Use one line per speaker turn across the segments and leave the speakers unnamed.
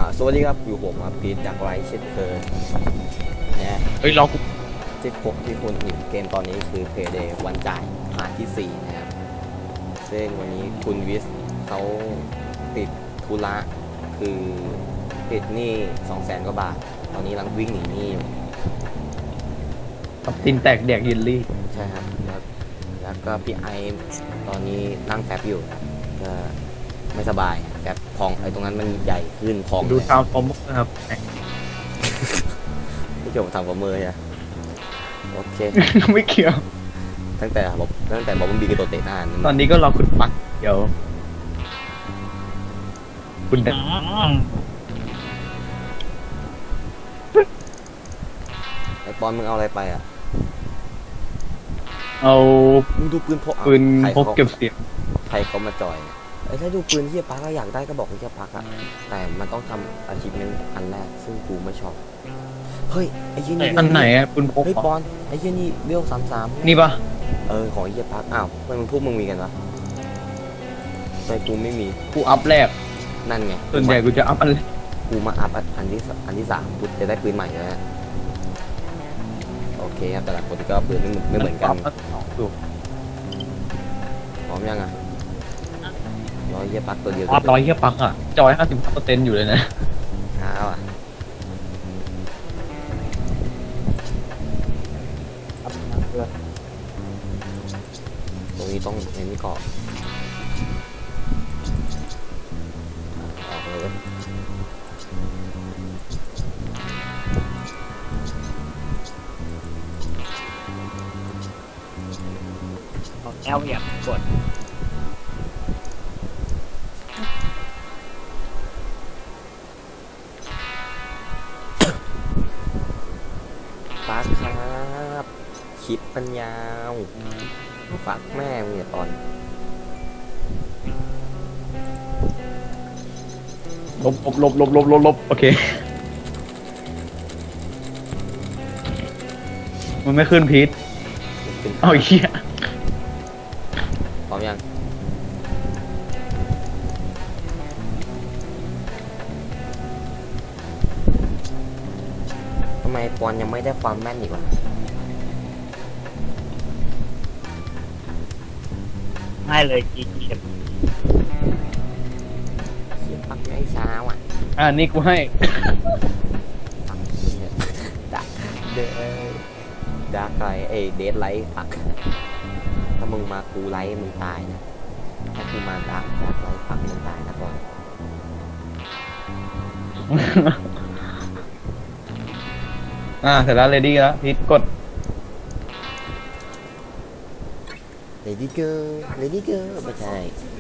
สวัสดีครับอยู่ผมครับพีทจากไรเช่นเคยนะ
เฮ้ยรอกู
ที่พบที่คุณเห็นเกมตอนนี้คือเพย์เดย์วันจ่ายผ่านที่4นะครับซึ่งวันนี้คุณวิสเขาติดธุระคือติดหนี้200,000 กว่าบาทตอนนี้กำลังวิ่งหนีหนี้อยู่
กับตินแตกแดกยินลี่
ใช่ครับแล้วก็พี่ไอตอนนี้นั่งแฟบอยู่ก็ไม่สบายแฟบพองไอ้ตรงนั้นมันใหญ่ขึ้นพอง
ดู
เลย
ทาวน์ฟอร์มนะครับ
ที่เกี่ยวกับทางประเมินอะโอเค
ไม่เกี่ยว
ตั้งแต่บอมบีกับตัวเตะหน้า
ตอนนี้ก็รอคุณปักเดี๋ยวคุณแต่
ไอ้ปอนมึงเอาอะไรไปอ่ะ
เอา
มึงดูปืนพก
ปืน
ใคร
พกเก็บเสียง
ใครเขามาจอยไอ้ถ้าดูปืนที่ปักก็อยากได้ก็บอกที่ปักอะแต่มันต้องทำอาชีพนั้นอันแรกซึ่งกูไม่ชอบเฮ้ยไอ้ยี่นี่
อันไหนอะปืนพก
เฮ้ยปอนไอ้ยี่นี่เวล33
นี่ปะ
ของไอ้เหี้ยปักอ้าวทำไมมึงพวกมึงมีกันวะทำไมกูไม่มี
กูอัพแรก
นั่นไง
ส่วนใหญ่กูจะอัพอัน
กูมาอัพอันที่3กูจะได้ปืนใหม่แล้วนะโอเคครับแต่ละคนก็ปืนไม่เหมือนกัน
ดู
พร้อมยังอ่ะร้อยเยี่ยปักตัวเดียว
อัพร้อยเฮียปักอะจอย55%อยู่เลยนะ
เอาอ่ะตรงนี้ต้องเน้นเกาะออกเลย
แอลเหยียบกด
ปักครับคลิปปัญญาวฝากแม่มึงเนี่ยตอน
ลบโอเคมันไม่ขึ้นพีท
ขึ้น
เอาเฮีย
พร้อมยังทำไมปอนยังไม่ได้ความแม่นอีกวะ
ให้เลยจีเข็ม
เขียนปักไม่เช้าอ่ะ
นี่กูให้
ปักเนี่ยดักเดดักไรเดดไลท์ปักถ้ามึงมากูไลท์มึงตายนะถ้ากูมาดักไลท์ปักมึงตายนะก่อน
เสร็จแล้วเรดี้แล้วพีทกด
Lady Girl Lady Girl ไม่ใช่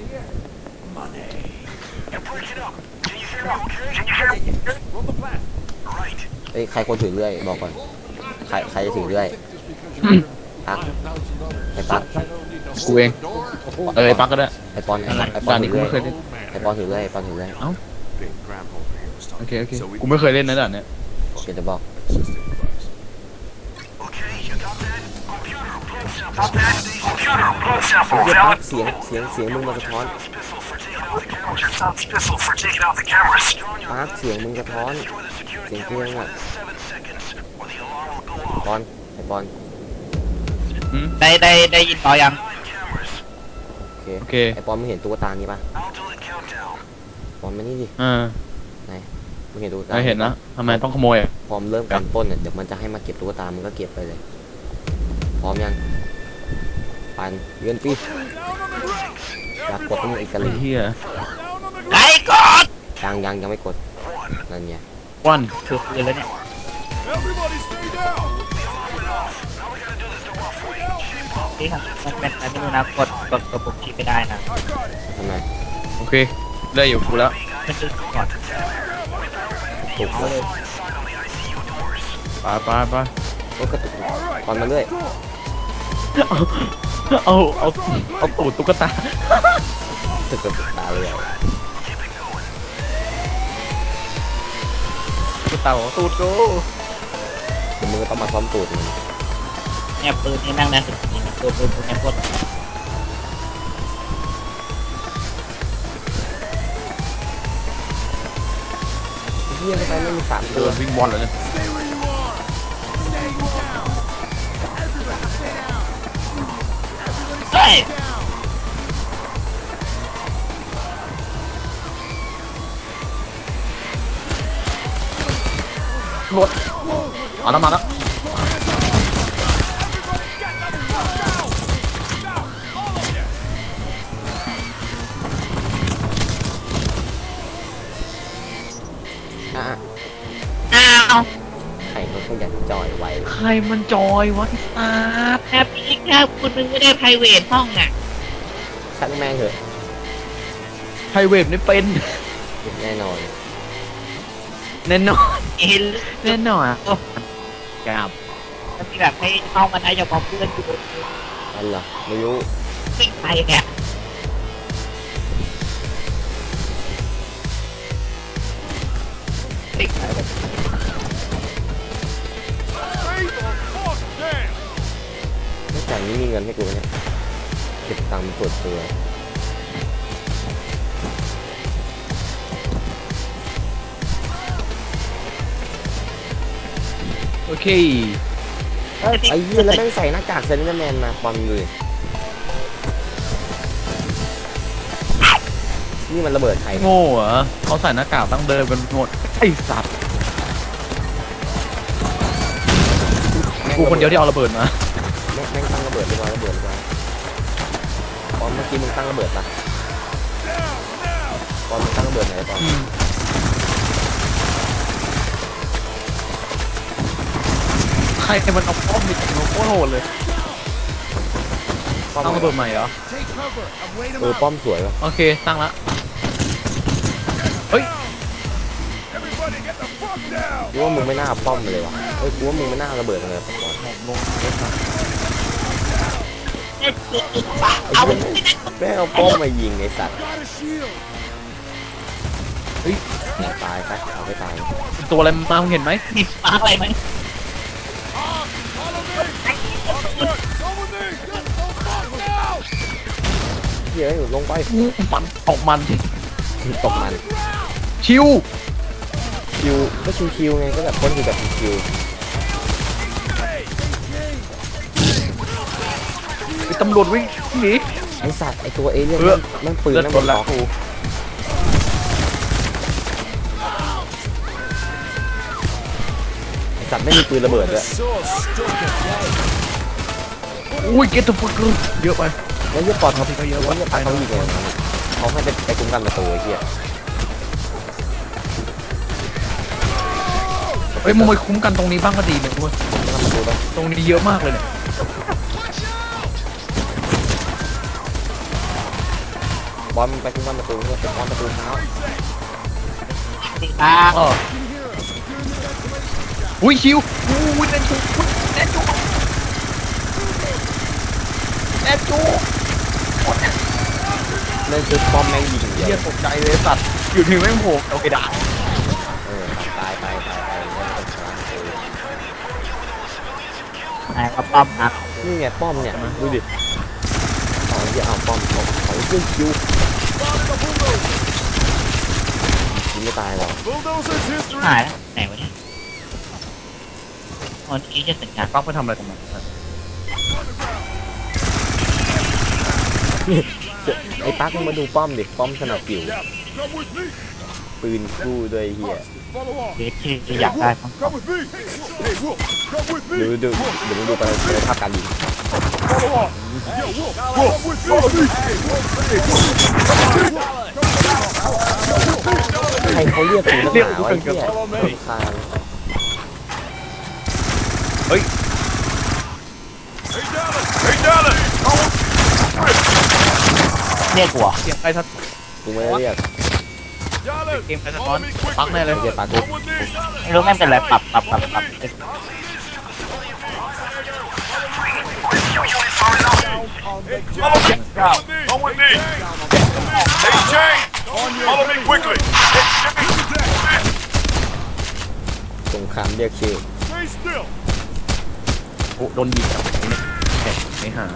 เอ้ยใครคนถือเรื่อยบอกก่อนใครจะถือเรื่อยปักไอ้ปัก
กูเองไอ้ปักก็ได้
ไอ้ปอน
ด่าน
ถื
นี้
อ
กู
เรื่อย
ไม่เคยเล่น
ไอ้ปอนถือเรื่อยไอ้ปอนถือเรื่อย
โอเคกูไม่เคยเล่นนะด่านเนี้ย
เดี๋ยวจะบอกไอ้เหี้ยปักเสียงมึงมาสะท้อนปักเสียงมึงสะท้อนเสียงเพลงอ่ะปอนไอ้ปอน
ได้ยินต่อยัง
โอเคไอ้ปอนมึงเห็นตุ๊กตานี้ปะปอนมานี่ดิไหนมึงเห็นตุ๊กตา
ไม่เห็นนะทำไมต้องขโมย
พร้อมเริ่มการปล้นเนี่ยเดี๋ยวมันจะให้มาเก็บตุ๊กตามึงก็เก็บไปเลยพร้อมยังปันเยือนปีอยากกดต้องอีกกะ
ไอ้
ลี
เหี้ย
ไล่กด
ยังไม่กดนั่นไง
วัน
ถือปืนแล้วเนี่ยนี่ครับมันเป็นอะไรไม่รู้นะกดปุ่มชี้ไม่ได้นะ
ทำไม
โอเคได้อยู่กูแล้ว
มันจะก่อน
ถูกเลย
ไป
ก็กระตุกปอนมาเรื่อย
เอาตูดตุ๊กตา
ตึกกระตุกตาเลย
ตุ๊กตาบอกตูดกู
เดี๋ยวมึงก็ต้องมาซ้อมตูดมึง
เนี่ยปืนนี่นั่งได้สุดจริงตัวปืนตัวนี้กด
ปเหี้ยไปไม่มีสาม
เดิ
ตัวน
วิ่งบอลเลยเนี่ย
เฮ้ย
รถเอาน้ำมันแล้ว
อ่ะ
อ้าว
ใครเขาขยันจอยไว้
ใครมันจอยวะไอ้ตา
แค่พี่แค่คุณนึงไม่ได้ไพรเวทห้องอ่ะ
ช่างแม่งเถอะ
ไฮเวฟนี่เป็น
แน่นอน
แน่นอน
เห็น
แน่นอนอ่ะครับ
มันมีแบบให้เข้ามาได้เฉพาะเพื่อนอยู่
อันเหรอไม่รู้
ไม่ไปเนี่ยไม่ไปแบบ
ไม่จ่ายนี่มีเงินให้กูไหมเนี่ยเก็บตังค์เป็นส่วนตัว
โอเค
เฮ้ยพี่
ไอ้เหี้ยแล้วแม่งใส่หน้ากากเซนเตอร์แมนมาความเลยนี่มันระเบิดใคร
โง่เหรอเขาใส่หน้ากากตั้งเดินกันหมดไอ้สัตว์กูคนเดียวที่เอาระเบิดมา
แม่งตั้งระเบิดดีกว่าระเบิดดีกว่าปอมเมื่อกี้มึงตั้งระเบิดปะปอมมึงตั้งระเบิดไหนปอม
ใครมันเอาป้อมไปจากโลโก้โหดเลย
ป้อม
ตั้งระเบิดใหม่เหรอ
ป้อมสวยปะ
โอเคตั้งละเฮ้ย
กูว่ามึงไม่น่าเอาป้อมมาเลยวะเฮ้ยกูว่ามึงไม่น่าเอาระเบิดมาเลยปอน
ลงรถมา
เล่นจุด
ไอ้เหี้ยแม่งเอาป้อมมายิงไอ้สัตว์
เฮ้ย
ตายไปเอาไปตาย
เป็นตัวอะไรมาเห็นไหม
มีสปาร์กอะไรไหม
เฮ้ยลงไป
มันออกมัน
ตกมัน
ชิว
คิวก็ชิวๆไงก็แบบคนอยู่แบบชิว
ไอ้ตำรวจวิ่งหนี
ๆไอ้สัตว์ไอ้ตัวเอเลี่ยนมันปืน
เลือด
มัน
หม
บ
ด
น
แล้ว
ต่อ
กู
ไอ้สัตว์ไม่มีปืนระเบิดด้วย
อุ้ยเก็ตตัวฟักเยอะไป
แล้วเยี่ยปอดเขา
ก็เยอะ
แล้ว
วะ
เยี่ยปอดเขายิงไงเขาให้ไปคุ้มกันประตูไอ้เหี้ย
เฮ้ยมึงไปคุ้มกันตรงนี้บ้างก็ดีนะเว้ย
คุ้มกันประตูไป
ตรงนี้เยอะมากเลยเนี่ย
บอลไปคุ้มกันประตูเนี่ยไปป้อนประตูเท้า
สิตา
อ๋ออุ้ยชิวอุ้ยแน่นจูแน่นจูแน่นจู
นั่นคือป้อมแม่งยิงเดี
เฮี
ย
ยว ตกใจเลยสัตว์อยู่ที่แม่งโผล่โอเคด่า
ตายแล้วเป็นพลัง
ไหนก็ป้อมนะ
นี่ไงป้อมเนี่ยดูดิเอาเหี้ยเอาป้อมของเครื่องคิวยิงไม่ตายหรอก
หายแล้วไหนวะเนี่ยวันนี้จะสัญญาณ
ปักไปทำอะไรตรงนั้น
ไอ้ปักมึงมาดูป้อมดิป้อมสนับผิวปืนคู่ด้วยเฮีย
เด็กที่อยากได้ต้อง
ดูเดี๋ยวมึงดูไปภาพการยิงใครเขาเรียกกูนักหนาวะไอ้เหี้ยคาน
เฮ้ย
เรียกหัว
เสียงใครทัด
กูไม่ได้เรียก
เกมใครสะท้อนปักแน่เลย
ไอ้เหี้ยปักกู
ไม่รู้แม่งเป็นอะไรปรับ
Come with me. Hey, Jane. Follow me quickly.
สงครามเรียกชื่อ
Stay still.
โอ้โดนยิงอ่ะแข่งไม่หา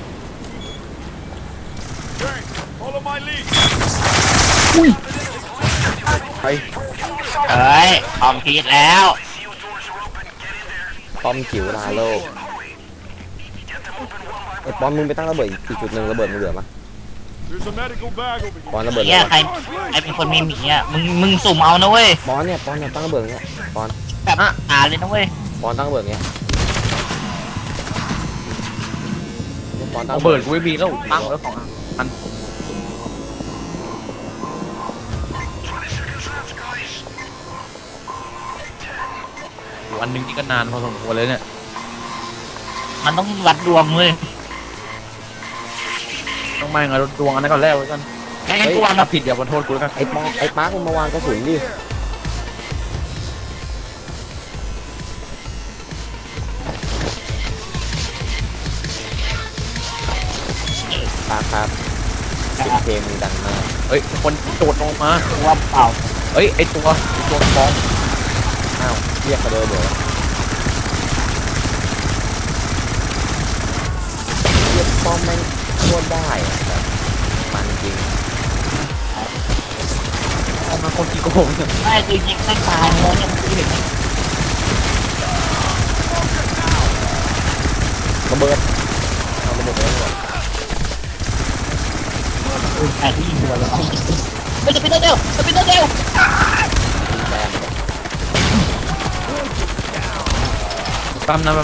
Jane, follow my lead.
อุ้ยไป
เฮ้ยออมพีดแล้ว
ป้อมจิ๋วลาโลกไอ้ป้อมมึงไปตั้งระเบิดอีกจุดหนึ่งระเบิดมึงเหลือปะ
There's a medical bag over
ปอน
here.
ระเบิด
เนี่ย
เล
ใครเป็นคนมีหมีอ่ะมึงสุ่มเอานะเว้ย
ปอนเนี่ยตั้งระเบิดเงี้ยปอน
แบบหาเลยนะเว้ย
ปอนตั้งระเบิดเงี้ยปอนตั้ง
ระเบิดกูไม่มีแล้วตั้งแล้ว2 อันวันหนึ่งนี่ก็นานพอสมควรเลยเนี่ย
มันต้องวัดดวงเว้ย
ต้องไม่งั้นดวงอันนั้นก่อนแล้วกัน
ไม่งั้นกูวาง
ถ้าผิดอย่ามาโทษกูแล้วกัน
ไอ้ปาร์คมึงมาวางกระสุนดิปาร์คครับเสียงเพลงมึงดังมาก
เฮ้ยคนโดดลงมา
กูว่าเปล่า
เฮ้ยไอตัวฟอง
อ้าวเรียกเขาเดินเดี๋ยวเรียกป้อมแม่งโคตรได้อะแบบมันจริง
เอามาคนกี่โกงเนี่ย
ไม่คือยิงไม่ตายเลยเนี่ยคือเด็ก
ระเบิดเอาระเบิดไปเลย
ไอ้ที่ยิงหัวเลยไม่จะเป็นเร็วจะเป็นเร็ว
แซม
แป๊บนะ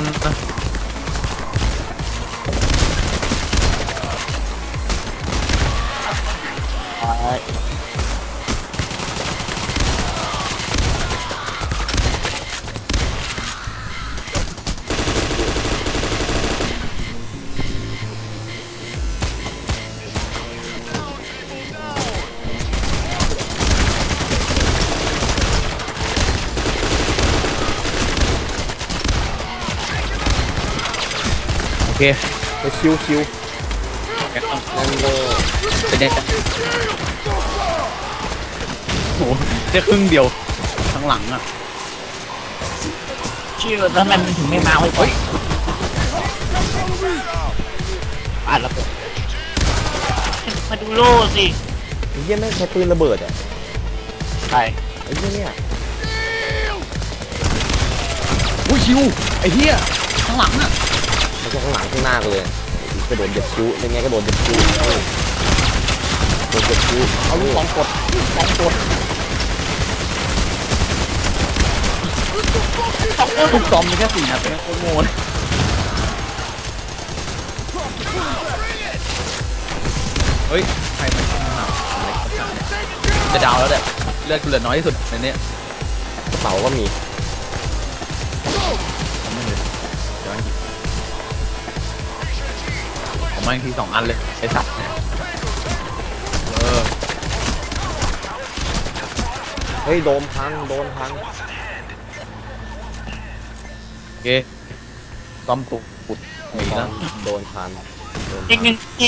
โอเค
ไปชิวนั่นเลย
เป็นยังไงโอ้โหแค่ครึ่งเดียวทั้งหลังอ่ะ
ชื่อแล้วทำไมมันถึงไม่มาเฮ้ยอ่านระเบิดมาดูโล่สิ
ไอ้เหี้ยแม่งใช้ปืนระเบิดอ่ะ
ใช่
ไอ้เหี้ยเนี่ย
อุ้ยชิวไอ้เหี้ยทั้งหลังอ่ะ
มันจะข้างหลังข้างหน้ากูเลยกระโดดเหยียบคิ้วเป็นไงกระโดดเหยียบคิ้วโดดเหยียบคิ้วเอาลูกบอลกด
ทุกซอมมีแค่4 นัดเป็นโคตรโง่เลยเฮ้ยใครมันเป็นหนาวอะไรกันเนี่ยจะดาวแล้วเนี่ยเลือดกูเหลือน้อยที่สุดในนี้
กระเป๋าก็มี
ผมมาอีกที2 อันเลยไอ้สัตว์เนี่ย
เฮ้ยโดนพัง
โอเคซอมตุกปุดหนี
โด
แล้
น
ว
โดนพัน
อีกหนึ่งที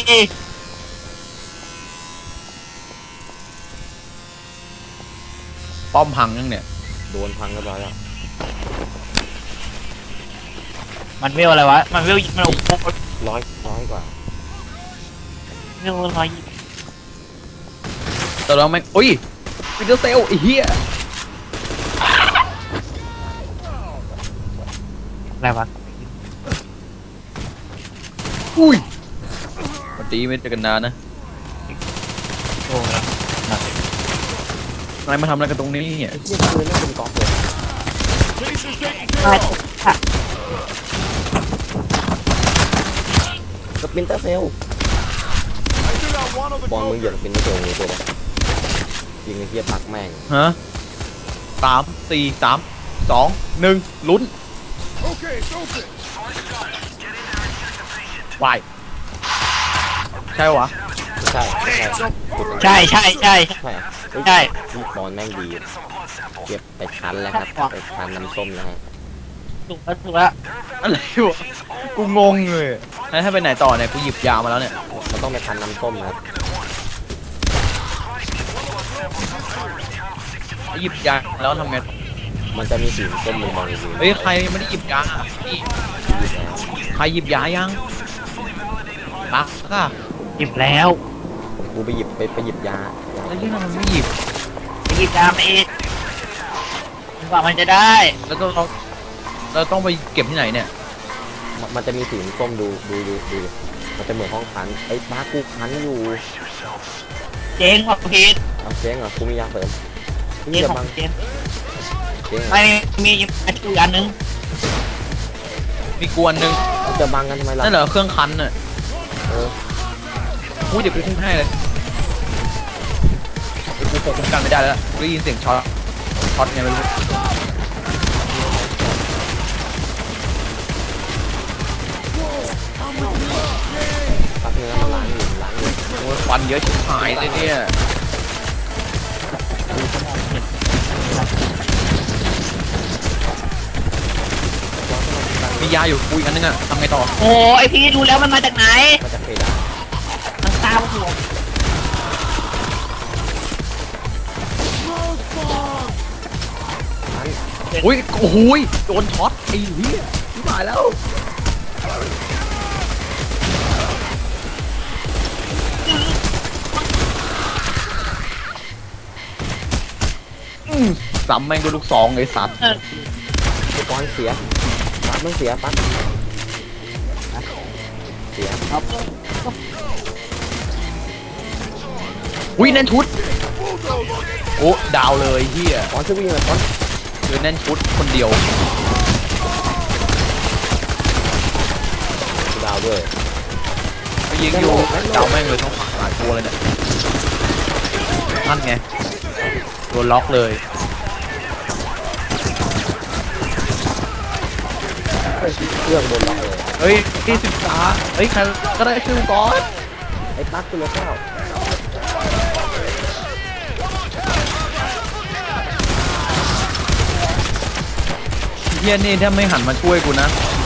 ป้อมพังยังเนี่ย
โดนพังเรียบร้อยแล้ว
มันเวลอะไรวะมันเวลมันโอ้โห
ร้อยกว่า
เวล120
แต่เราไม่อุ้ยวินเตอร์เซลไอ้เหี้ย
อะไรวะ
อุ้ยวันดีไม่เจอกันนานนะ
โอ้แล้ว
นายมาทำอะไรกันตรงนี้เนี่ย
ไอ้เหี้ยปืนน่าเป็นกอล์ฟเลย
Case is taken
ใช่
care of.
ค่ะ
สปินเตอร์เซล
I do not want to
บอล
go
มึงเหยียบ
there.
สปินเตอร์เซลนี่ตัวเลยยิงไอ้เหี้ยปักแม่ง
ฮะ3 4 3 2 1ลุ้น
Okay, it's open.
วายใช่วะ
ใช่
ใช่ใช่ใช่
ใช่เฮ้ย
ใช่
ลูกบอลแม่งดีเก็บไปคั้นแล้วครับไปคั้นน้ำส้มแล้วฮะ
ถูกแล้ว
อะไรวะกูงงเลยแล้วให้ไปไหนต่อเนี่ยกูหยิบยามาแล้วเนี่ย
มันต้องไปคั้นน้ำส้มนะครับ
หยิบยาแล้วทำไง
มันจะมีสีส้มมึงมองอยู่
เฮ้ยใครไม่ได้หยิบยาพี่ใครหยิบยายังปักค่ะ
หยิบแล้ว
กูไปหยิบยา
แล้วยังมันไม่หยิบ
หหยิบยามาอีกกว่ามันจะได้
แล้วเราต้องไปเก็บที่ไหนเนี่ย
มันจะมีสีส้มดูมันจะเหมือนห้องคันไอ้ป้ากูคันอยู่
เจ๊งว่ะพีท
เอาเจ๊งเหรอกูมียาเสริม
เจ๊
นี่
ง
จะ
ของ
บัง
เจ๊ง
เจ๊งเหรอ
ไม่มีอีกอันนึง
มีกวนหนึ่ง
มันจะบังกันทำไมล่ะ
นั่นเหรอเครื่องคันน่ะ
เออ
อุ้ยเดี๋ยวกูคุ้มให้เลยกูคงคุ้มกันไม่ได้แล้วกูได้ยินเสียงช็อตไงไม่รู้
ปักเนื้อมันล้างอยู่
โอ้ยควันเยอะชิบหายเลยเนี่ยมียาอยู่กูอีกอันนึงอะทำไงต่อ
โอ้ไอพีทรู้แล้วมันมาจากไหน
มันจะเพดาน
มันตามหัว
อุ้ยโอ้โหยโดนช็อตไอ้เหี้ยชิบหายแล้วซ้ำแม่งด้วยลูกซองไอ้สัตว์
ไอ้ก้อนเสียปักมันเสียปักเสีย
ครับ
อุ้ยแน่นชุดโอ้ดาวเลยเฮีย
ก้อนช่วยวิ่งหน่อยก้อน
คือแน่นชุดคนเดียว
ดาวด้วย
ไปยิงอยู่ดาวแม่งเลยต้องหายตัวเลยเนี่ยนั่นไงโดนล็อกเลย
เครื่องบนล็อกเลย
เฮ้ยที่ศึกษาเฮ้ยใครก็ได้ชื่อก่อน
ไอ้ปักตัวละเก้า
เฮียนี่ถ้าไม่หันมาช่วยกูนะ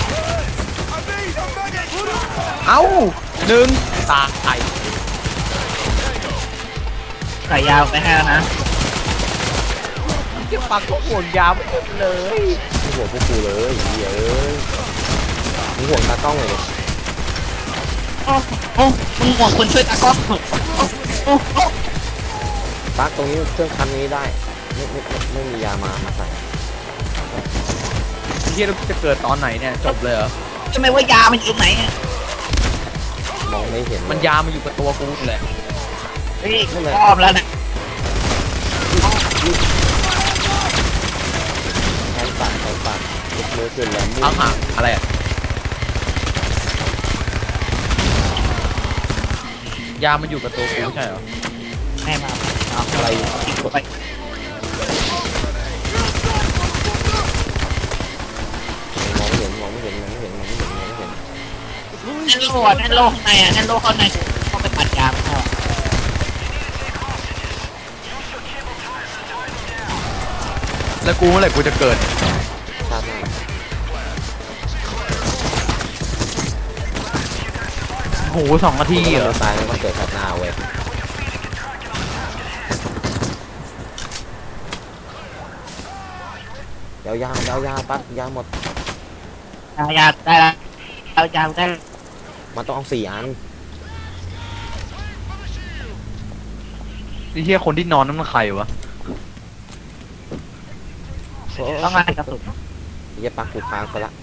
เอ้าหนึ่งตาย
ใส่ยาวไปให้แล้วนะ
เก็บปากก็ห่วงยาวเลย
มีห่วงพวกกูเลยเหี้ยเอ้ยมีห่วงตากล้องเลยดิ
โอ้โอ้มึงห่วงคนช่วยตากล้องโอ้โอ้
ปักตรงนี้เครื่องคันนี้ได้ไม่มียามาใส่
เฮียเราจะเกิดตอนไหนเนี่ยจบเลยเหรอ
ทำไมว่ายามันอยู่ไหนอะ
มองไม่เห็น
มันยามาอยู่กับตัวกูเลย
เฮ้ยอ้อมแล้วนะ
แทนปากยกมือขึ้นแล้วมื
อ้าวหาอะไรอะยามันอยู่กับตัวกูใช่เหรอ
แม่มาเอา
อะไร
ทิ้งไป
มองไม่เห็น
นั่นโล่อะนั่นโล่ข้างในอ่ะนั่นโล่ข้างในเขาไปปัดยามันเข้า
แล้วกูเมื่อไหร่กูจะเกิด
ชาติหน้า
โห2 นาทีเหรอ
ตายแล้วก็เกิดชาติหน้าเว้ยยาวปักยาวหมด
ยาได้แล้วเอายาได้
มันต้องเอา4 อัน
ไอ้เหี้ยคนที่นอนนั่นมันใครวะ
ต้องงานกระสุน
เหี้ยปักกูค้างซะละ